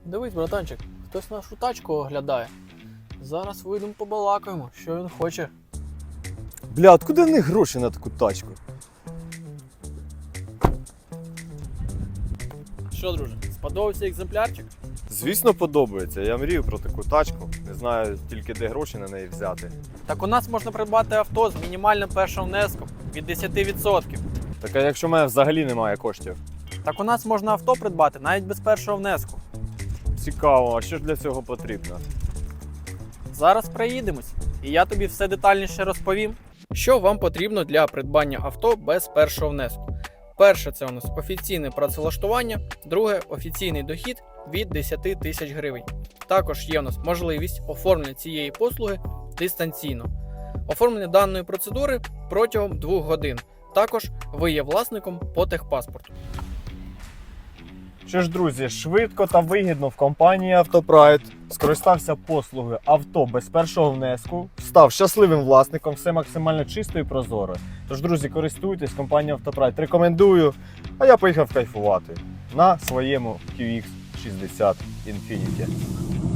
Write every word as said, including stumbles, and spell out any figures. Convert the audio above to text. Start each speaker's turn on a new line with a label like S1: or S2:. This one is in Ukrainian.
S1: Дивись, братанчик, хтось нашу тачку оглядає. Зараз вийдемо побалакаємо, що він хоче.
S2: Бля, откуда в них гроші на таку тачку?
S1: Що, друже, сподобався екземплярчик?
S2: Звісно, подобається. Я мрію про таку тачку. Не знаю тільки де гроші на неї взяти.
S1: Так у нас можна придбати авто з мінімальним першим внеском від десять відсотків.
S2: Так а якщо в мене взагалі немає коштів?
S1: Так у нас можна авто придбати навіть без першого внеску.
S2: Цікаво, а що ж для цього потрібно?
S1: Зараз проїдемось, і я тобі все детальніше розповім. Що вам потрібно для придбання авто без першого внеску? Перше, це у нас офіційне працевлаштування, друге офіційний дохід від десять тисяч гривень. Також є у нас можливість оформлення цієї послуги дистанційно. Оформлення даної процедури протягом двох годин. Також ви є власником по техпаспорту.
S2: Що ж, друзі, швидко та вигідно в компанії Автопрайд скористався послугою авто без першого внеску, став щасливим власником, все максимально чисто і прозоро. Тож, друзі, користуйтесь, компанія Автопрайд рекомендую, а я поїхав кайфувати на своєму кью ікс шістдесят Infiniti.